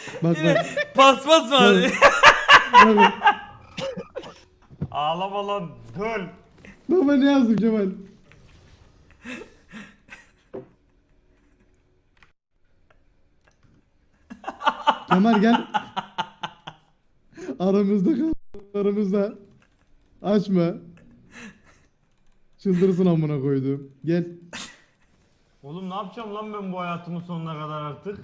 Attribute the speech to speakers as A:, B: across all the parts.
A: Bak
B: Yine
A: bak.
B: paspas var.
A: Bak.
C: Ağlama lan. Gol.
A: Baba ne yazdım Kemal? Kemal gel. Aramızda kal. Aramızda. Açma. Çıldırsın amına koydum. Gel.
C: Oğlum ne yapacağım lan ben bu hayatımın sonuna kadar artık?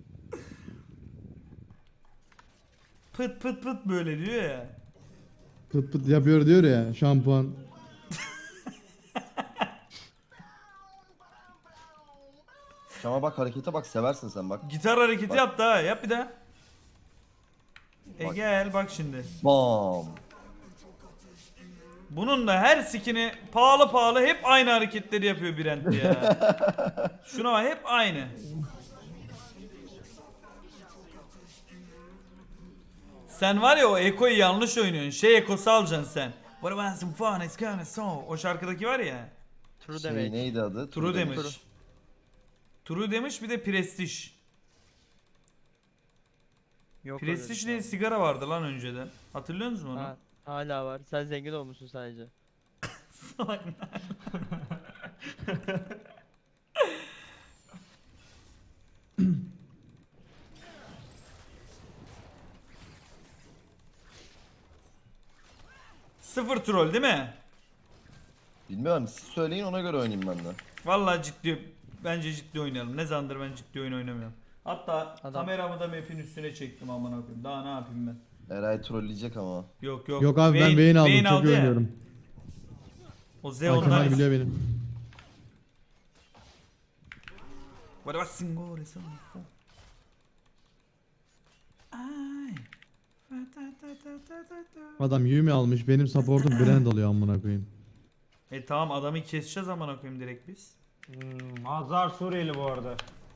B: Pıt pıt pıt böyle diyor ya.
A: Pıt pıt yapıyor diyor ya şampuan.
D: Ama bak harekete bak, seversin sen bak.
B: Gitar hareketi
D: Bak.
B: yaptı ha. Yap bir daha.
D: Bak.
B: Gel bak şimdi.
D: Bam.
B: Bunun da her skini pahalı pahalı hep aynı hareketleri yapıyor Brent ya. Şuna bak hep aynı. Sen var ya o Eko'yu yanlış oynuyorsun. Şey Eko'su alacaksın sen. What about some fun it's gonna so. O şarkıdaki var ya.
E: True
D: Şey,
E: demek.
D: neydi adı?
B: True
D: demiş.
B: demiş. True demiş bir de Prestige.
E: Yok öyle bir
B: Prestige
E: şey
B: diye
E: abi.
B: sigara vardı lan önceden. Hatırlıyor musun onu?
E: Ha, hala var. Sen zengin olmuşsun sadece.
B: Sıfır troll değil mi?
D: Bilmiyorum, siz söyleyin ona göre oynayayım ben de.
B: Vallahi ciddi, bence ciddi oynayalım. Ne zamandır ben ciddi oyun oynamıyorum. Hatta
E: Adam-
B: kameramı da map'in üstüne çektim amına koyayım. Daha ne yapayım ben?
D: Eray trolleyecek ama.
B: Yok yok.
A: Yok abi ben beyin aldım. Çok iyi
B: ya.
A: oynuyorum.
B: O
A: Bak
B: Zeon'dan.
A: Kemal biliyor benim.
B: What about Singore son? Ay.
A: Adam Yumi almış. Benim supportum Brand alıyor amına koyayım.
B: Tamam adamı keseceğiz amına koyayım direkt biz.
C: Hazar Suriyeli bu arada.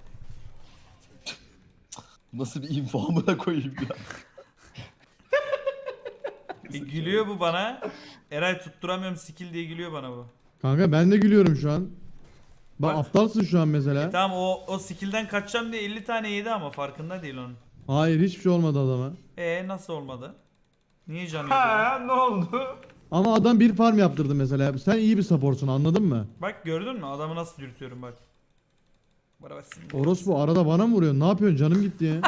D: Nasıl bir info amına koyayım ya.
B: Gülüyor bu bana. Eray tutturamıyorum skill diye gülüyor bana bu.
A: Kanka ben de gülüyorum şu an. Bak
B: Bak.
A: aptalsın şu an mesela.
B: Tamam o skill'den kaçacağım diye 50 tane yedi ama farkında değil onun.
A: Hayır hiçbir şey olmadı adama.
B: Nasıl olmadı? Niye canı yok?
C: Ha ne oldu?
A: Ama adam bir farm yaptırdı mesela. Sen iyi bir supportsun anladın mı?
B: Bak gördün mü? Adamı nasıl dürtüyorum bak. Bana bak şimdi.
A: Orospu arada bana mı vuruyorsun? Ne yapıyorsun? Canım gitti ya.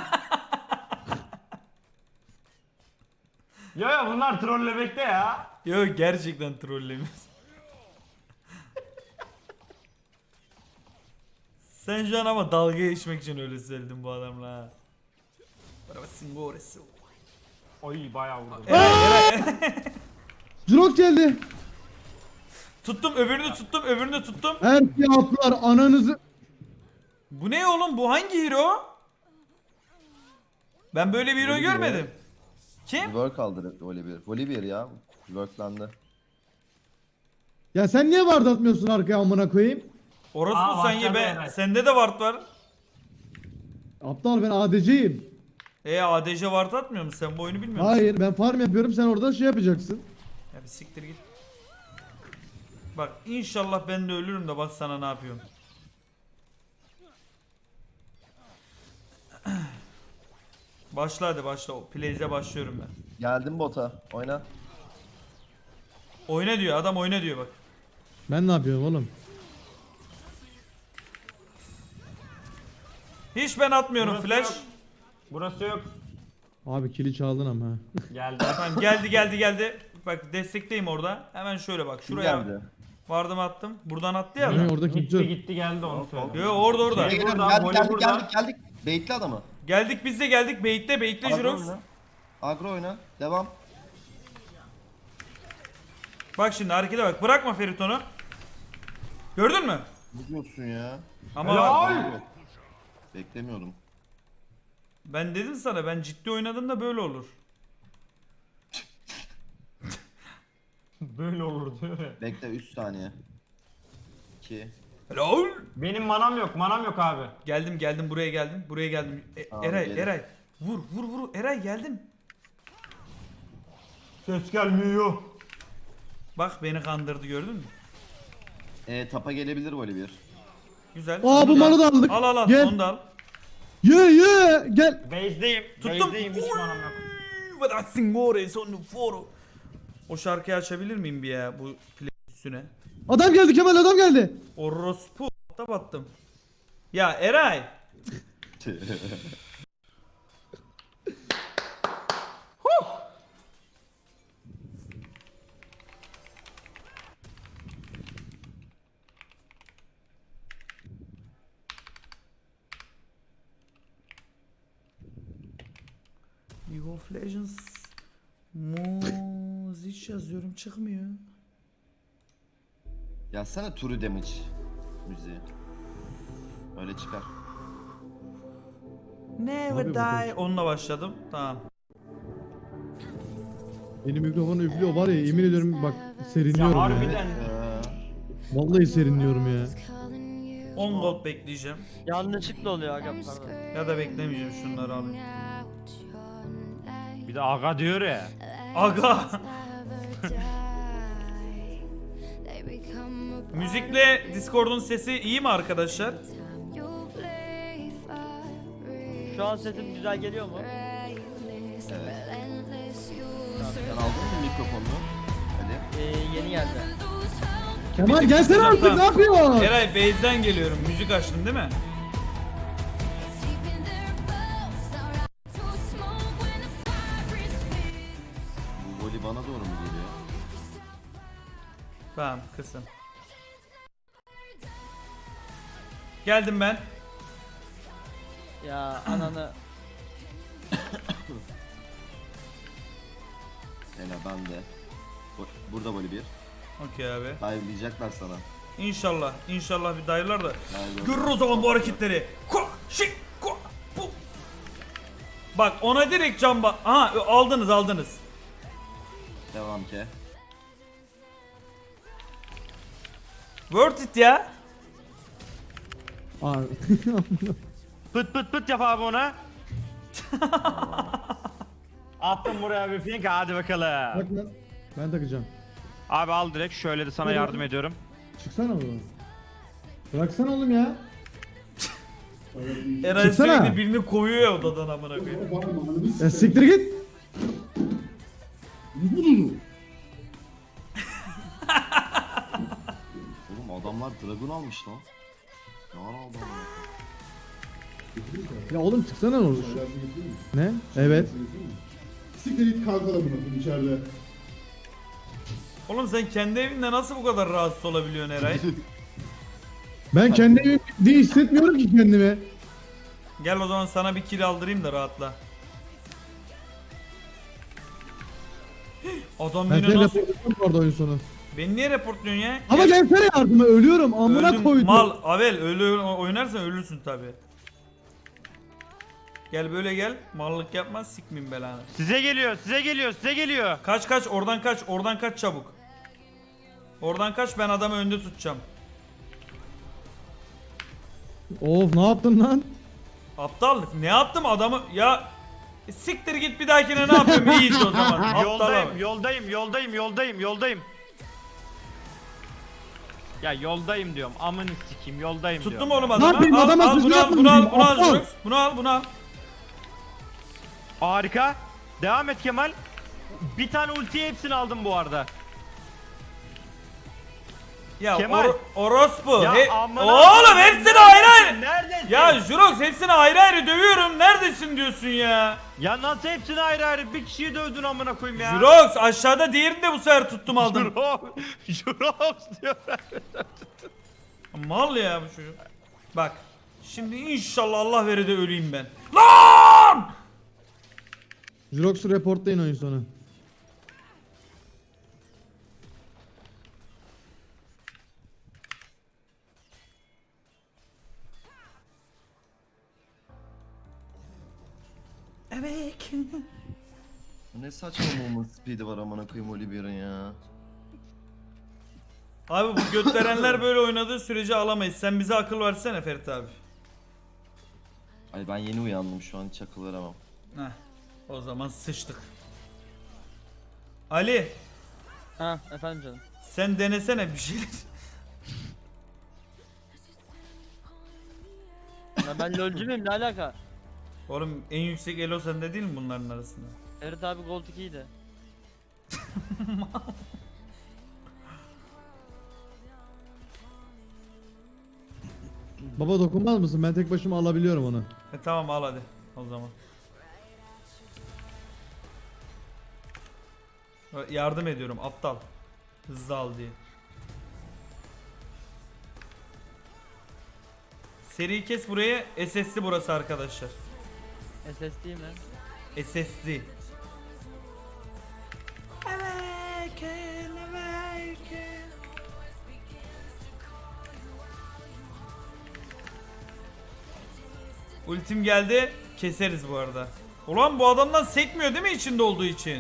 C: Ya bunlar trollemekte ya.
B: Yok gerçekten trollemiyorsun. Sen şu an ama dalga geçmek için öyle söyledin bu adamla ha. Bana bak şimdi orası.
C: Ay bayağı vurdu.
B: Eray.
A: Jirok geldi.
B: Tuttum öbürünü tuttum.
A: Her şeyi attılar ananızı.
B: Bu ne oğlum bu hangi hero? Ben böyle bir hero
D: Olivier.
B: görmedim. Kim?
D: Work aldı Olivier. Olivier ya. Worklandı.
A: Ya sen niye ward atmıyorsun arkaya amına koyayım?
B: Orası
C: Aa,
B: mı sen ye
C: başladı
B: be?
C: Eray.
B: Sende de ward var.
A: Aptal ben ADC'yim.
B: ADC ward atmıyor musun? Sen bu oyunu bilmiyor musun?
A: Hayır ben farm yapıyorum sen orada şey yapacaksın.
B: Ya bir siktir git. Bak inşallah ben de ölürüm de bak sana ne yapıyorum. Başla hadi başla. Plays'e başlıyorum ben.
D: Geldim bota. Oyna.
B: Oyna diyor adam oyna diyor bak.
A: Ben ne yapıyorum oğlum?
B: Hiç ben atmıyorum
C: Burası
B: flash.
C: yok. Burası yok.
A: Abi kili çaldın ama. ha.
C: Geldi.
B: Tamam geldi. Bak destekteyim orada. Hemen şöyle bak
D: Kim
B: şuraya.
D: geldi?
B: Vardım attım. Buradan attı ya
A: Ne,
B: adam.
A: orada kimse
C: Gitti
A: yok.
C: gitti geldi onu söyle.
B: Yo orada.
C: Şey,
D: Geldik
C: buradan, voley buradan.
D: geldik. Baitli adamı.
B: Geldik biz de geldik. Baitle
D: Agro
B: Jirox.
D: oyna. Agro oyna. Devam.
B: Bak şimdi harekete bak. Bırakma Feriton'u. Gördün mü?
D: Ne diyorsun ya?
B: Ama
C: Helal.
D: Beklemiyordum.
B: ben dedim sana ben ciddi oynadım da böyle olur.
C: Böyle olur diyor ya.
D: Bekle 3 saniye. 2.
B: Helal.
C: Benim manam yok abi.
B: Geldim buraya geldim.
D: Tamam,
B: Eray
D: gelin.
B: Eray. Vur Eray geldim.
C: Ses gelmiyor.
B: Bak beni kandırdı gördün mü?
D: Tapa gelebilir Olivier.
B: Güzel.
A: Aa
B: Onu
A: bu malı da aldık.
B: Al
A: Gel.
B: onu da al.
A: Ye gel.
C: Base'deyim.
B: Tuttum.
C: Base'deyim hiç manam yok.
B: O şarkıyı açabilir miyim bir ya bu play üstüne?
A: Adam geldi Kemal, adam geldi.
B: Orospu da battım. Ya Eray. League of Legends Muziç yazıyorum, çıkmıyor.
D: Yazsana True Damage müziği. Öyle çıkar.
B: Never
A: Abi
B: die.
A: bakalım.
B: Onunla başladım. Tamam.
A: Benim mikrofonu üflüyor var ya, yemin ediyorum bak
C: Ya
A: serinliyorum ya.
C: harbiden.
A: Vallahi serinliyorum ya.
B: 10 gold bekleyeceğim.
E: Yanlışlıkla oluyor aga pardon.
B: Ya da beklemeyeceğim, şunları alayım.
C: Bir de aga diyor ya.
B: Aga. Müzikle Discord'un sesi iyi mi arkadaşlar?
E: Şu an sesim güzel geliyor mu?
D: Sen aldın mı mikrofonunu? Hadi.
E: Yeni geldi.
A: Kemal gelsene artık,
B: Tamam.
A: ne yapıyorsun?
B: Eray base'den geliyorum. Müzik açtın değil mi?
D: Bu voli bana doğru mu geliyor?
B: Tamam, kısın. Geldim ben.
E: Ya ananı.
D: Hele ben de. Burada voli bir.
B: Okey abi.
D: Dive'layacaklar sana.
B: İnşallah. İnşallah bir dayılar da.
D: Dive
B: Görür o zaman bu hareketleri. Ko, şik, ko, bu. Bak ona direkt camba. Aha aldınız.
D: Devam ke.
B: Worth it ya.
A: Abi.
C: Pıt pıt pıt yap abi ona. Attım buraya bir pink, hadi bakalım.
A: Bak lan. Ben takacağım.
C: Abi al direkt, şöyle de sana
A: Hadi
C: yardım
A: bakalım.
C: ediyorum.
A: Çıksana buradan. Bıraksana oğlum ya.
B: Eray
A: Çıksana.
B: sürekli birini kovuyor ya odadan amına koyayım.
A: Ya siktir git.
D: Oğlum adamlar Dragon almış lan. Ne var aldı ama?
A: Ya oğlum çıksana ne olur. Ne? Evet.
F: Siktir git kalk adamına bunu içeride.
B: Oğlum sen kendi evinde nasıl bu kadar rahatsız olabiliyorsun Eray?
A: Ben kendimi diye hissetmiyorum ki kendimi.
B: Gel o zaman sana bir kill aldırayım da rahatla. Adam
A: Ben
B: yine
A: seni
B: nasıl...
A: raporlayacağım bu arada oyun sonu.
B: Beni niye reportluyorsun ya?
A: Ama gelsene yardıma, ölüyorum amına
B: Öldün,
A: koydum.
B: mal, Avel öyle oynarsan ölürsün tabi. Gel böyle gel, mallık yapma, sikmeyeyim belanı.
C: Size geliyor, size geliyor, size geliyor.
B: Kaç, oradan kaç çabuk. Oradan kaç, ben adamı önde tutacağım.
A: Of, ne yaptın lan?
B: Aptallık, ne yaptım adamı ya... Siktir git, bir dahakine ne yapıyorum, iyi işte o zaman. Aptal
C: Yoldayım,
B: abi.
C: yoldayım. Ya yoldayım diyorum, amını sikeyim, yoldayım
B: Tuttum
C: diyorum.
B: oğlum
A: Ne
B: adamı.
A: yapayım,
B: Al,
A: adama
B: al,
A: sözünü
B: bunu al,
A: yapmadım
B: bunu al,
A: diyeyim,
B: bunu al,
A: aptal.
B: Jurox. Bunu al.
C: Harika. Devam et Kemal. Bir tane ultiye hepsini aldım bu arada.
B: Ya
C: Kemal.
B: orospu.
C: Ya amına
B: Oğlum
C: koyayım,
B: hepsini ayrı ayrı.
C: Neredesin?
B: Ya Jurox hepsini ayrı ayrı dövüyorum. Neredesin diyorsun ya?
C: Ya nasıl hepsini ayrı ayrı bir kişiyi dövdün amına koyayım ya.
B: Jurox aşağıda diğerini de bu sefer tuttum aldım.
C: Jurox diyor.
B: Mal ya bu çocuk. Bak. Şimdi inşallah Allah verir de öleyim ben. Lan!
A: Jirox'u reportlayın oyun sonu.
B: Evet.
D: Bu ne saçma movement speed'i var amına koyayım Oliver'ın ya.
B: Abi bu götlerenler böyle oynadığı sürece alamayız. Sen bize akıl versene Ferit abi.
D: Ay ben yeni uyandım, şu an hiç akıl veremem.
B: Heh. O zaman sıçtık. Ali,
E: Ha efendim canım.
B: sen denesene bir şeyler.
E: Ya ben lolcu muyum, ne alaka?
B: Oğlum en yüksek elo sende değil mi bunların arasında?
E: Evet abi Gold 2'ydi.
A: Baba dokunmaz mısın? Ben tek başıma alabiliyorum onu.
B: Tamam al hadi o zaman. Yardım ediyorum aptal. Hızlı al diye. Seri kes burayı. SS'li burası arkadaşlar.
E: SSD mi?
B: SS'li. Ultim geldi. Keseriz bu arada. Ulan bu adamdan sekmiyor değil mi içinde olduğu için?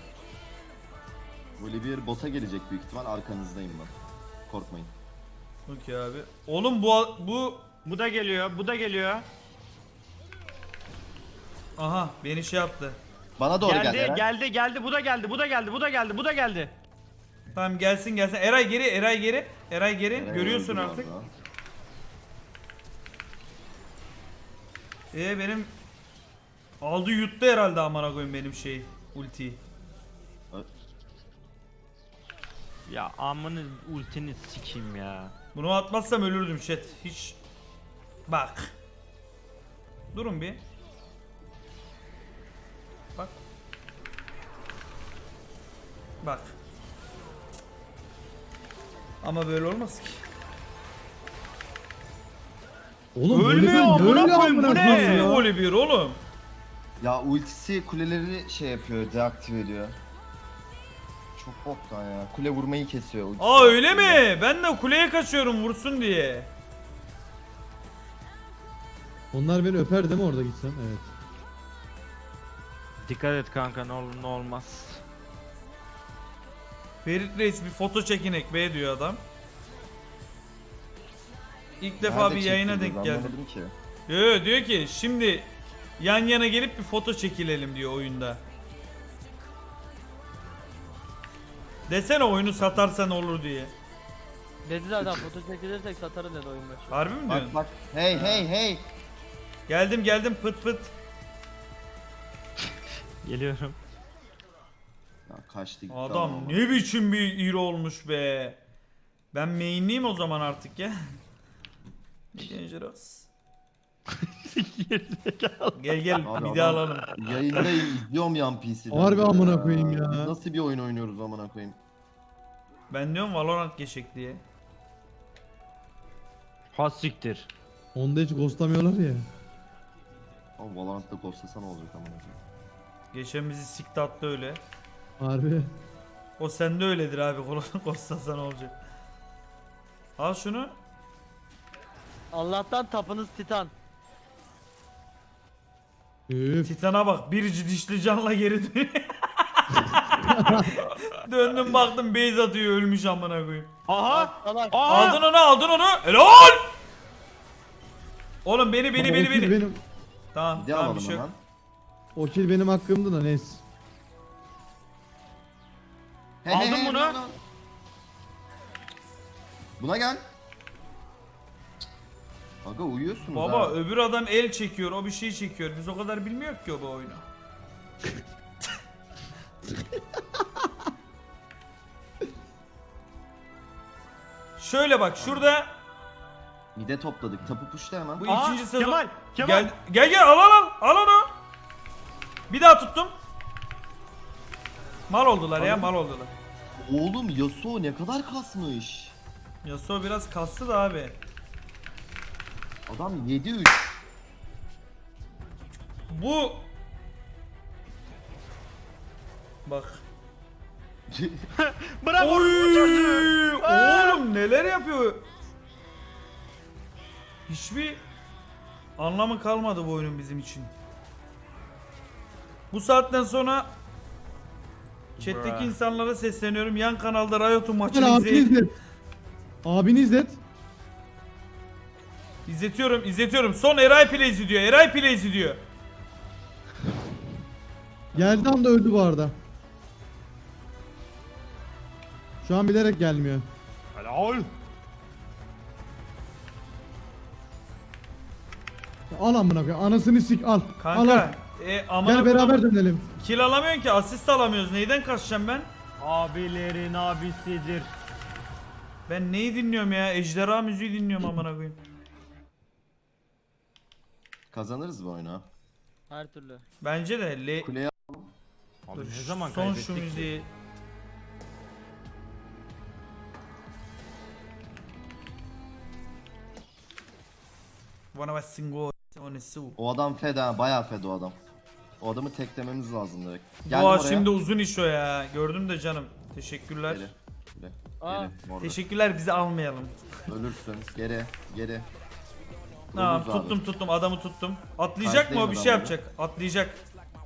D: Olivier bota gelecek büyük ihtimal, arkanızdayım ben. Korkmayın.
B: Okey abi. Oğlum bu
C: Bu da geliyor, bu da geliyor.
B: aha beni şey yaptı.
D: Bana doğru
C: Geldi,
D: gel.
C: geldi, geldi, bu da geldi, bu da geldi, bu da geldi, bu da geldi.
B: Tamam gelsin. Eray geri, Eray geri. Eray geri.
D: Eren
B: Görüyorsun
D: öldü
B: artık.
D: valla.
B: Benim aldı yuttu herhalde amına koyayım benim ultiyi.
C: Ya amını ultini sikeyim ya.
B: Bunu atmazsam ölürdüm chat. Hiç bak. Durun bir. Bak. Bak. Ama böyle olmaz ki.
A: Oğlum
C: Ölmüyor,
A: böyle
C: amına
A: böyle
C: koyayım, bu
A: amına
C: ne?
A: koyayım ya.
B: Nasıl golü bir oğlum?
D: Ya ultisi kuleleri şey yapıyor, deaktive ediyor. Çok boktan ya. Kule vurmayı kesiyor ultisi.
B: Aa öyle mi? Ben de kuleye kaçıyorum vursun diye.
A: Onlar beni öper değil mi orada gitsem? Evet.
C: Dikkat et kanka, ne olur ne olmaz.
B: Ferit Reis bir foto çekinek be diyor adam. İlk defa
D: Nerede
B: bir yayına
D: çektiniz,
B: denk geldim.
D: anlamadım ki.
B: Yo, diyor ki şimdi yan yana gelip bir foto çekilelim diyor oyunda. Desene oyunu satarsan olur diye.
E: Dedi zaten foto çekilirsek satarım dedi oyun başı.
B: Harbi mi diyorsun?
D: Bak bak. Hey hey hey.
B: Geldim pıt pıt.
C: Geliyorum.
D: Ya kaçtı gitti
B: Adam
D: ama.
B: ne biçim bir hero olmuş be. Ben mainliyim o zaman artık ya. Dangerous. Gel
D: Abi
B: bir daha
D: adam-
B: alalım.
D: Yayındayım, izliyorum yan PC'den.
A: Harbi amına koyayım ya.
D: Nasıl bir oyun oynuyoruz amına koyayım?
B: Ben diyorum Valorant geçecek diye.
C: Ha siktir.
A: Onda hiç ghostlamıyorlar ya.
D: Ama Valorant'ta ghostlasa ne olacak amına koyayım?
B: Geçen bizi sikti attı öyle.
A: Harbi.
B: O sende öyledir abi. Kostasa ne olacak? Al şunu.
E: Allah'tan tapınız Titan.
A: Üf.
B: Titan'a bak. Bir dişli canla geri dönüyor. Döndüm baktım base atıyor ölmüş amına koyayım.
C: Aha!
E: Salak.
C: Aha!
B: Aldın onu. Helal! Oğlum beni.
A: Baba, o kill benim,
B: Tamam
D: Bir de
B: tamam bir
D: alalım
B: şey yok.
D: hemen.
A: o kill benim hakkımdı da neyse.
D: Hey,
C: Aldın
D: hey,
C: bunu.
D: hey, Buna gel. Aga uyuyorsunuz
B: Baba
D: ha.
B: öbür adam el çekiyor o bir şey çekiyor. Biz o kadar bilmiyoruz ki o bu oyunu. Şöyle bak şurada
D: Mide topladık. Tapu puşta hemen.
B: bu
C: Aa,
B: ikinci sezon.
C: Kemal!
B: Gel al onu. Bir daha tuttum. Mal oldular ya mal oldular.
D: Oğlum Yasuo ne kadar kasmış.
B: Yasuo biraz kastı da abi.
D: Adam 7-3.
B: Bu bak.
C: Bravo!
B: Oy! Oğlum neler yapıyor? Hiçbir anlamı kalmadı bu oyunun bizim için. Bu saatten sonra chat'teki
C: Bruh.
B: insanlara sesleniyorum. Yan kanalda Riot'un maçını
A: Gel abini
B: izleyin.
A: izlet. Abini izlet.
B: İzletiyorum. Son Eray Plays diyor.
A: Geldi anda öldü bu arada. Şu an bilerek gelmiyor.
C: Helal!
A: Al amına koyayım. Anasını sik al. Al al.
B: Kanka amına
A: Gel beraber
B: koydum.
A: dönelim.
B: Kill alamıyorsun ki, asist alamıyoruz. Neyden kaçacağım ben?
C: Abilerin abisidir.
B: Ben neyi dinliyorum ya? Ejderha müziği dinliyorum amına koyayım.
D: Kazanırız bu oyunu.
E: Her türlü.
B: Bence de
D: Kuleye
C: Abi ne zaman
B: son
C: kaybettik
B: şu
C: ki?
B: müziği. Bana bak singo on su.
D: o adam feda, bayağı feda o adam. O adamı teklememiz lazım direkt.
B: Boğa
D: oraya.
B: şimdi uzun iş o ya. Gördüm de canım. Teşekkürler.
D: Geri. Geri.
E: Aa.
D: Geri. Orada.
B: Teşekkürler, bizi almayalım.
D: Ölürsün. Geri. Geri.
B: Tamam,
D: Vururuz abi.
B: tuttum adamı tuttum. Atlayacak mı o, bir şey
D: Kayıtlayın
B: yapacak. Atlayacak.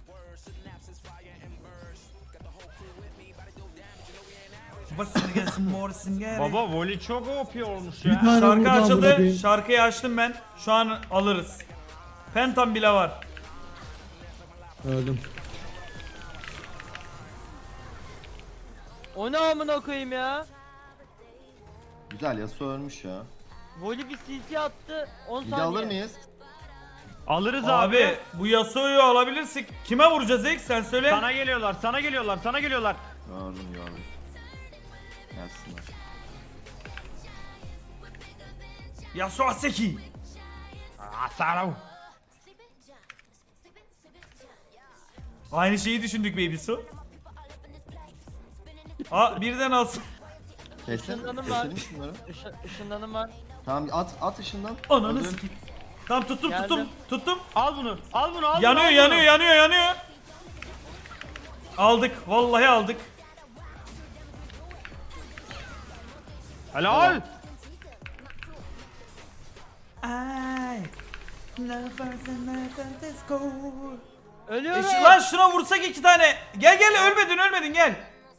B: Basın gelsin morsin gel.
C: Baba voli çok OP olmuş
A: Bir
C: ya.
A: tane
B: Şarkı
A: vurdu amına
B: açıldı.
A: koyayım.
B: Şarkıyı açtım ben. Şu an alırız. Pentam bile var.
A: Öldüm.
E: O ne amına koyayım ya?
D: Güzel, Yasuo ölmüş ya.
E: Voli bir CC attı 10
D: Bir de
E: saniye.
D: alır mıyız?
C: Alırız
B: Abi,
C: abi.
B: bu Yasuo'yu alabilirsek kime vuracağız ilk, sen söyle.
C: Sana geliyorlar, sana geliyorlar, sana geliyorlar.
D: Gördüm. Gelsinler.
B: Yasuo Seki.
C: Asarav.
B: Aynı şeyi düşündük baby su. Birden alsın.
D: Kesin.
E: Işınlanım var.
D: Keselim şunları.
E: Işınlanım var.
D: Tamam at ışından.
B: Ananı
D: Öldür.
B: sikeyim. Tamam tuttum.
E: Geldim.
C: Al bunu, al bunu, al
B: Yanıyor
C: bunu. al bunu.
B: yanıyor. Aldık, vallahi aldık.
C: Helal.
B: Ay.
E: Ölüyorum.
B: Lan şuna vursak 2 tane. Gel ölmedin gel.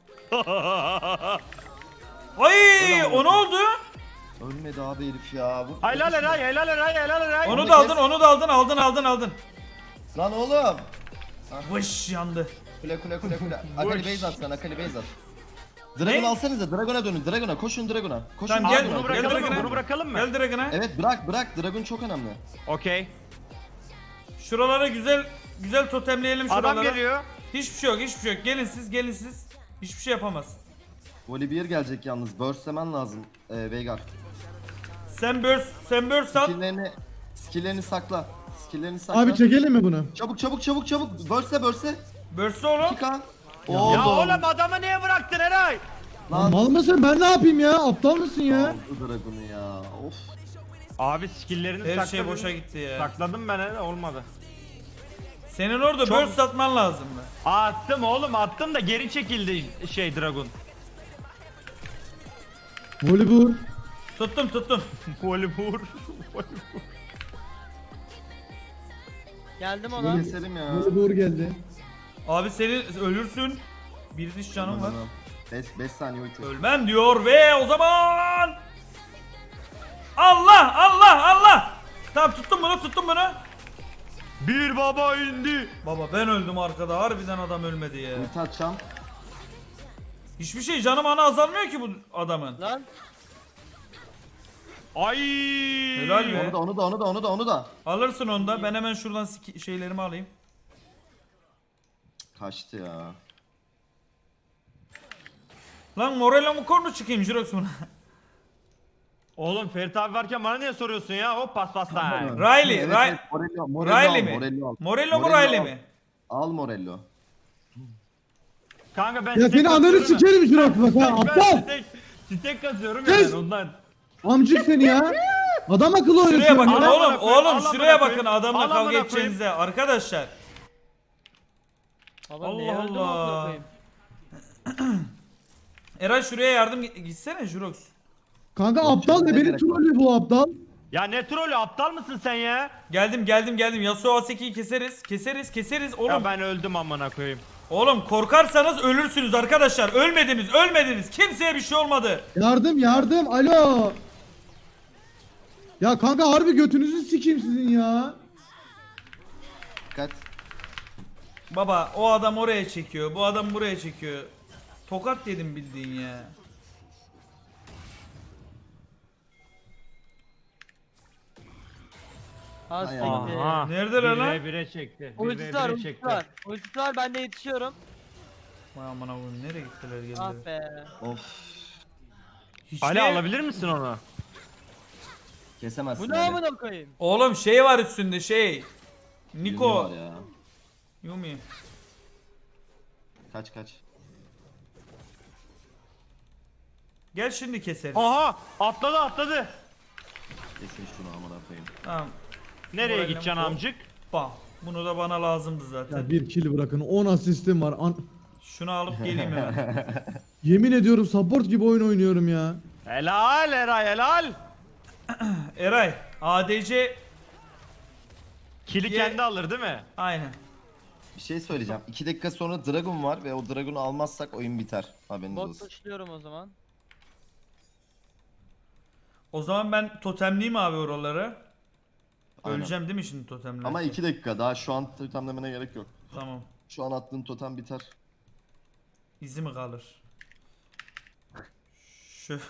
B: Ay, o ne oldu?
D: Ölmedi abi herif ya.
C: Helal Eray, helal Eray, helal Eray.
B: Onu
D: Onu
B: da
D: kes.
B: aldın.
D: Lan oğlum.
B: Vış yandı.
D: Kule. Akali base at sen, Akali base at. Dragon
B: Ne?
D: alsanıza, Dragon'a dönün, Dragon'a. Koşun Dragon'a. Koşun
B: Tamam,
D: Dragon'a.
B: gel,
C: Bunu
B: gel
C: bırakalım mı?
B: Dragon'a.
C: Bunu bırakalım mı?
B: Gel Dragon'a.
D: Evet bırak, Dragon çok önemli.
C: Okey.
B: Şuralara güzel totemleyelim şuralara.
C: Adam geliyor.
B: Hiçbir şey yok. Gelin siz. Hiçbir şey yapamaz.
D: Volibear gelecek yalnız, burstlemen lazım Veigar.
B: Sen burst at.
D: Skill'lerini sakla.
A: Abi çekelim mi bunu?
D: Çabuk. Burst'e.
B: Burst oğlum.
D: 2K.
C: Ya
D: Oldu.
C: oğlum adamı niye bıraktın Eray?
D: Lan.
A: Mal mısın? Ben ne yapayım ya? Aptal mısın ya?
D: Aldı Dragon'u ya. Of.
C: Abi skill'lerini
B: Her
C: sakladım.
B: şey boşa gitti ya.
C: Sakladım ben Eray, olmadı.
B: Senin orada
C: Çok-
B: burst atman lazım mı?
C: Attım oğlum attım da geri çekildi Dragon.
A: Volibur.
B: Tuttum.
C: Volibur.
E: Geldim ona.
D: Keselim ya.
A: Volibur geldi.
B: Abi senin ölürsün. Bir diş canım var.
D: 5 saniye ulti.
B: Ölmem diyor ve o zaman Allah. Tamam tuttum bunu.
C: Bir baba indi.
B: Baba ben öldüm arkada. Harbiden adam ölmedi ya.
D: Ulti atacağım.
B: Hiçbir şey canım ana azalmıyor ki bu adamın.
E: Lan.
C: Ay.
B: Helal be.
D: Onu da.
B: Alırsın onu da. Ben hemen şuradan şeylerimi alayım.
D: Kaçtı ya.
B: Lan Morello mu kornu çıkayım Jirox buna.
C: Oğlum Ferit abi varken bana niye soruyorsun ya? Hop pas time.
B: Riley,
D: Evet,
B: Riley.
D: evet, Morello
B: Riley
D: al,
B: mi?
D: Morello al.
B: Morello mu
D: Morello
B: Riley
D: al.
B: mi?
D: Al Morello.
C: Kanka ben
A: Ya
C: stek
A: seni ananı
C: kasıyorum ya.
A: sikerim Jirox bak ha. Aptal.
C: Ben stek kasıyorum ya
A: Kes.
C: ben ondan.
A: Amcık seni ya. Adam akıllı oynuyorsun.
B: Şuraya bakın
A: ya.
C: Al amına
B: oğlum,
C: koyayım, al
B: oğlum
C: amına
B: şuraya
C: koyayım.
B: bakın adamla
C: Al
B: kavga
C: amına
B: edeceğinize arkadaşlar.
E: Baba
B: Allah
E: niye öldüm
B: Allah.
E: amına koyayım?
B: Eray şuraya yardım gitsene Jirox.
A: Kanka aptal da beni trollüyor bu aptal.
C: Ya ne trolü aptal mısın sen ya?
B: Geldim. Yasuo Aseki'yi keseriz. Oğlum,
C: Ya ben öldüm amına koyayım.
B: oğlum korkarsanız ölürsünüz arkadaşlar. Ölmediniz. Kimseye bir şey olmadı.
A: Yardım. Alo. Ya kanka harbi götünüzü sikeyim sizin ya.
D: Dikkat.
B: Baba o adam oraya çekiyor. Bu adam buraya çekiyor. Tokat yedim bildiğin ya.
E: Ha
D: Hay
E: siktir.
C: Aha.
B: Neredeler lan?
C: 1v1'e çekti.
E: Ultisi var,
C: 1v1'e
E: ultisi
C: çekti.
E: var. Ultisi var, ben de yetişiyorum.
B: Vay aman Allah'ım, nereye gittiler
E: Ah
B: geldiler.
E: be.
D: Of.
B: Hiç
C: Ali
B: de-
C: alabilir misin onu?
D: Kesemezsin.
E: Bu ne
D: Ali.
E: amına koyayım?
B: Oğlum şey var üstünde şey.
D: Yumi
B: Niko.
D: var ya.
B: Yumi.
D: Kaç kaç.
B: Gel şimdi keseriz.
C: Aha atladı.
D: Kesin şunu amına koyayım.
B: Tamam.
C: Nereye
B: Moralim
C: gideceksin
B: bu.
C: amcık?
B: Bam. Bunu da bana lazımdı zaten.
A: Ya bir kill bırakın 10 asistim var.
B: Şunu alıp geleyim hemen.
A: Yemin ediyorum support gibi oyun oynuyorum ya.
C: Helal Eray helal.
B: Eray. ADC.
C: Kili
B: Ye-
C: kendi alır değil mi?
B: Aynen.
D: Bir şey söyleyeceğim. 2 dakika sonra Dragon var ve o Dragon'u almazsak oyun biter. Haberiniz
E: Bot
D: olsun.
E: pushluyorum o zaman.
B: O zaman ben totemliyim abi oraları.
D: Aynen.
B: Öleceğim değil mi şimdi totemle?
D: Ama 2 dakika daha şu an totemlemene gerek yok.
B: Tamam.
D: Şu an attığın totem biter.
B: İzi mi kalır? Şöyle.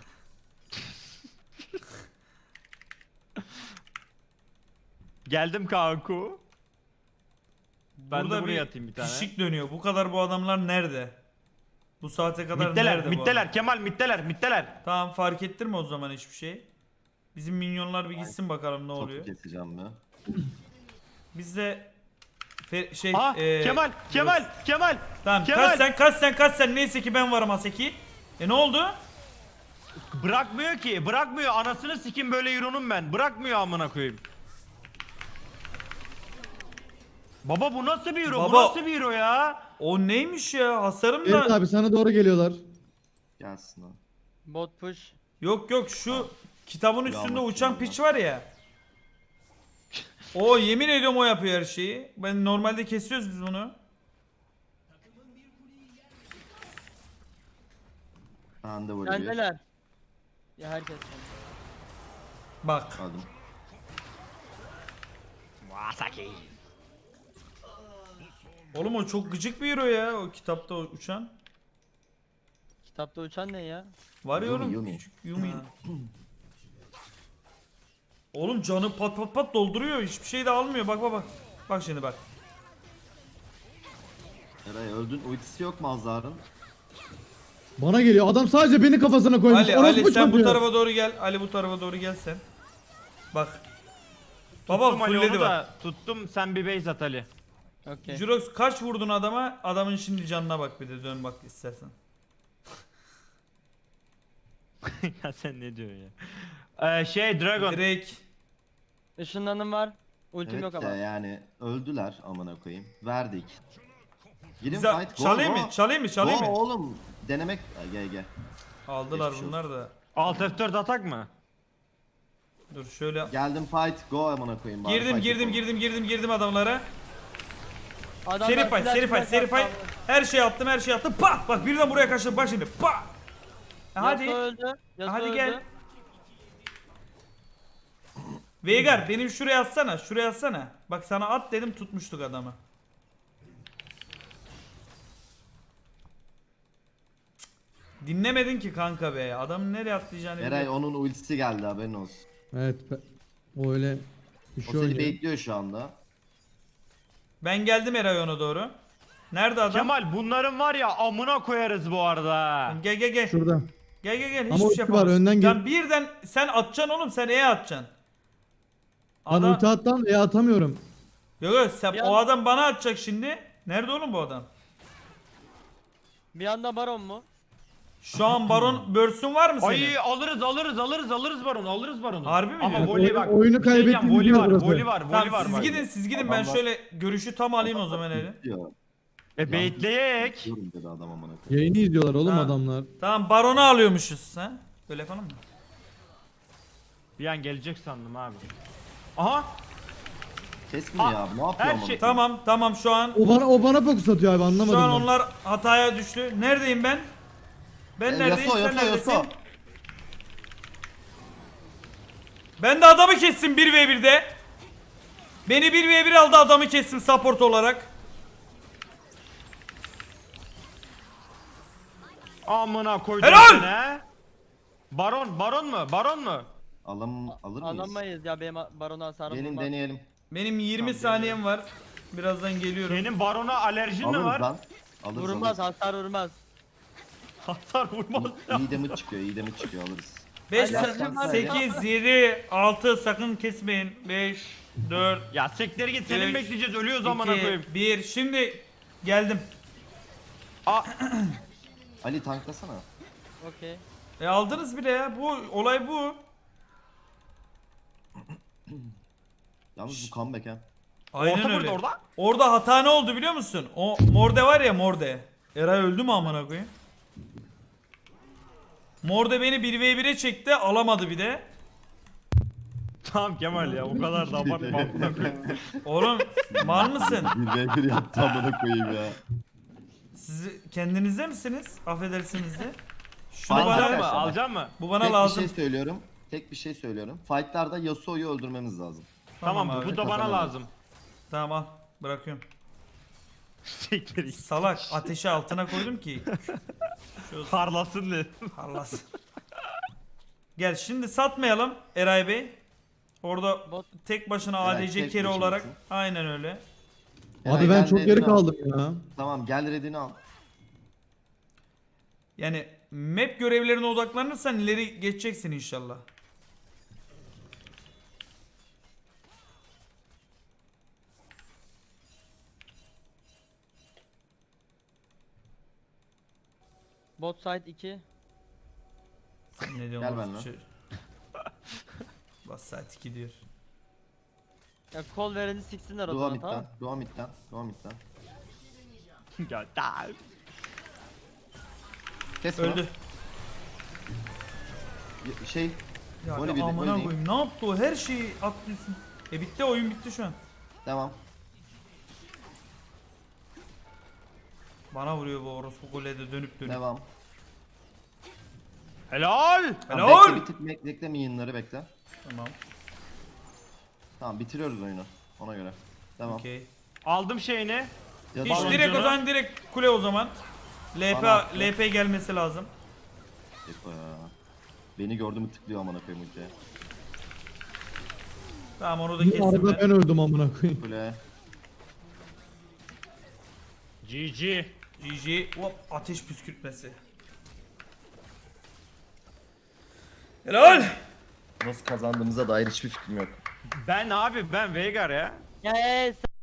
C: Geldim kanku. Ben
B: Burada
C: de buraya atayım bir tane.
B: Fişik dönüyor. Bu kadar bu adamlar nerede? Bu saate kadar
C: Mitteler,
B: nerede bu
C: mitteler
B: adam?
C: Kemal mitteler.
B: Tamam, fark ettirme o zaman hiçbir şey. Bizim minyonlar bir gitsin bakalım ne
D: Topu
B: oluyor.
D: keseceğim ya.
B: Biz de şey
C: Aha Kemal.
B: Tamam,
C: Kemal.
B: kaç sen neyse ki ben varım Aseki. Ne oldu?
C: Bırakmıyor anasını sikim böyle Euro'nun ben. Bırakmıyor amına koyayım. Baba bu nasıl bir Euro? Bu
B: Baba.
C: nasıl bir Euro ya?
B: O neymiş ya? Hasarım
A: Evet
B: da.
A: abi sana doğru geliyorlar.
D: Gelsin ha.
E: Bot push.
B: Yok şu kitabın
D: Ya
B: üstünde
D: bak
B: uçan
D: ya.
B: piç var ya. O yemin ediyorum o yapıyor her şeyi. Ben normalde kesiyoruz biz bunu.
D: Ben de vuruyor.
E: Kendiler. Ya herkes.
B: Bak.
D: Aldım.
C: Wasaki.
B: Oğlum o çok gıcık bir hero ya, o kitapta uçan.
E: Kitapta uçan ne ya?
B: Var ya
D: Yumi,
B: oğlum.
D: Yumi.
B: Küçük Yumi. Oğlum canı pat dolduruyor. Hiçbir şey de almıyor. Bak. Bak şimdi bak.
D: Eray öldün. Ultisi yok mu Azar'ın?
A: Bana geliyor. Adam sadece beni kafasına koymuş.
B: Ali
A: Orospu
B: sen bu
A: çocuğu.
B: tarafa doğru gel. Ali bu tarafa doğru gel sen. Bak. Baba
C: Tuttum Ali
B: fullledi
C: onu
B: bak.
C: da. Tuttum sen bir base at Ali.
E: Okey.
B: Jurox kaç vurdun adama? Adamın şimdi canına bak, bir de dön bak istersen.
C: Ya sen ne diyorsun ya? Dragon.
B: Drake.
E: Işınlanım var. Ultim
D: Evet
E: yok
D: de
E: ama.
D: yani öldüler amına koyayım. Verdik. Girin
B: Bize
D: fight. Go,
B: çalayım
D: go.
B: mı? Çalayım
D: Go
B: mı?
D: oğlum. Denemek. Gel.
B: Aldılar
D: Geçmiş
B: bunlar da.
C: Alt F4 atak mı?
B: Dur şöyle.
D: Geldim fight. Go amına koyayım. bari
B: Girdim
D: fight yapalım.
B: adamlara.
E: Adamlar
B: Seri
E: flash
B: fight.
E: flash
B: Her şey attım. Pah! Bak birden buraya kaçtım. Bak şimdi. Pah! Hadi.
E: Yasuo öldü. Yasuo
B: Hadi
E: öldü.
B: gel. Veigar benim şuraya atsana. Bak sana at dedim, tutmuştuk adamı. Cık. Dinlemedin ki kanka be. Adamın nereye atlayacağını
D: Eray
B: biliyor.
D: onun ultisi geldi haberin olsun.
A: Evet. O öyle bir
D: O
A: şey
D: seni
A: oynuyor.
D: baitliyor şu anda.
B: Ben geldim Eray ona doğru. Nerede adam?
C: Kemal bunların var ya amına koyarız bu arada.
B: Gel.
A: Şurada.
B: Gel.
A: Ama
B: Hiçbir
A: ulti
B: şey
A: var,
B: yapamaz.
A: önden gel.
B: Lan birden sen atacaksın oğlum. Sen atacaksın.
A: Ben ulti attan ya atamıyorum.
B: Yok sen,
E: Bir
B: o
E: an-
B: adam bana atacak şimdi. Nerede oğlum bu adam?
E: Bir anda baron mu?
B: Şu an Baron Börsün var mı senin?
C: Ay alırız baronu.
B: Harbi mi
C: Ama
B: diyorsun?
C: voley bak.
A: Oyunu
C: bir şey diyeceğim,
A: kaybettiğimiz
C: voley
A: yer
C: var,
A: burası.
C: voley var
B: Tamam
C: bak.
B: siz gidin ben
D: Adamlar-
B: şöyle görüşü tam alayım o zaman eli.
D: Diyor.
C: Baitleyek.
D: Diyorum dedi adam amına koyayım.
A: Yayını izliyorlar oğlum
B: Ha.
A: adamlar.
B: Tamam Baron'u alıyormuşuz ha. Böyle yapalım mı?
C: Bir an gelecek sandım abi. Aha.
D: Kesmiyor ya. Ne yapıyor
C: her
D: amına
C: şey-
D: koyayım?
B: Tamam şu an
A: O bana fokus atıyor abi anlamadım
B: şu an
A: ben.
B: onlar hataya düştü. Neredeyim ben? Ben neredeyim sen
D: Yasuo.
B: neredesin? Ben de adamı kestim 1v1'de. Beni 1v1 aldı, adamı kestim support olarak.
C: Amına koydum
B: Helal!
C: seni he. Baron mu?
D: Alır mıyız?
E: Alamayız ya benim barona hasarım
D: Gelin
E: vurmaz.
D: deneyelim.
B: Benim 20
C: Tamam,
B: saniyem var. Birazdan geliyorum.
C: Senin barona alerjin mi
D: Alırız
C: var?
D: lan. Alırız,
E: Vurmaz
D: alırız.
E: hasar vurmaz.
C: Hasar vurmaz ya.
D: İyi damage çıkıyor, iyi damage çıkıyor, alırız.
B: 5,
E: Alerjim var
B: 8, 7, 6 sakın kesmeyin. 5, 4,
C: Ya siktir git senin
B: Üç,
C: bekleyeceğiz ölüyoruz amına
B: 2,
C: koyayım.
B: 1. Şimdi geldim.
D: Ali tanklasana.
E: Okey.
B: Aldınız bile ya. Bu olay bu.
D: Yalnız bu comeback ha.
B: Aynen
C: Orta
B: öyle.
C: burada orada.
B: Orada hata ne oldu biliyor musun? O Morde var ya Morde. Eray öldü mü amına koyayım? Morde beni 1v1'e çekti, alamadı bir de.
C: Tamam Kemal ya o kadar da abartma amına koyayım.
B: Oğlum mal mısın?
D: 1v1 yaptı amına koyayım ya.
B: Siz kendinizde misiniz? Affedersiniz de. Şunu
D: Aynen.
B: bana
C: Alacak mı?
D: Arkadaşlar,
C: Alacak mı?
B: bu bana
D: Tek
B: lazım.
D: bir şey söylüyorum. Tek bir şey söylüyorum. Fight'larda Yasuo'yu öldürmemiz lazım.
C: Tamam
B: abi.
C: bu da bana
D: Kazanalım.
C: lazım.
B: Tamam al. Bırakıyorum.
C: Siktir git.
B: Salak ateşi altına koydum ki. Şu
C: Parlasın diye.
B: parlasın. Gel şimdi satmayalım Eray Bey. Orada
E: Bot
B: tek başına
D: Eray,
B: ADC
D: tek
B: carry
D: başına
B: olarak.
D: gitsin.
B: Aynen öyle.
A: Abi
D: Eray,
A: ben
D: gel
A: çok
D: redini
A: geri
D: al.
A: kaldım ya.
D: Tamam gel redini al.
B: Yani map görevlerine odaklanırsan ileri geçeceksin inşallah.
E: bot side 2.
B: Sen ne diyorsun?
D: Gel
B: orospu
D: benimle.
B: çocuğu? Bas saat 2 diyor.
E: Ya kol vereni siksinler o
D: Dua
E: zaman tamam.
D: midden. Dua midden. Dua midden.
C: Ya da.
D: Kes bunu.
B: Öldü.
D: Şey.
B: Ya
D: Böyle
B: bir
D: bir de
B: amına
D: oynayayım.
B: koyayım ne yaptı o her şeyi atlıyorsun. Bitti oyun bitti şu an.
D: Devam.
B: Bana vuruyor bu orospu golede dönüp dönüp.
D: Devam.
C: Helal.
D: Tamam,
B: Helal.
D: bekle, bir tık bekle minyonları bekle.
B: Tamam.
D: Tamam bitiriyoruz oyunu. Ona göre. Devam.
B: Okey.
C: Aldım şeyini.
D: Ya
B: Hiç
D: da-
B: direkt o zaman direkt kule o zaman. LP
D: Bana attı.
B: LP gelmesi lazım.
D: Eko ya. Beni gördü mü tıklıyor amına koyayım ultiye.
B: Tamam onu da
A: Bu
B: kestim
A: arada
B: ben.
A: ben öldüm amına koyayım.
D: Kule.
C: GG.
B: GG. Hop ateş püskürtmesi. Helal.
D: Nasıl kazandığımıza dair hiçbir fikrim yok.
C: Ben abi ben Veigar ya.
E: Yes.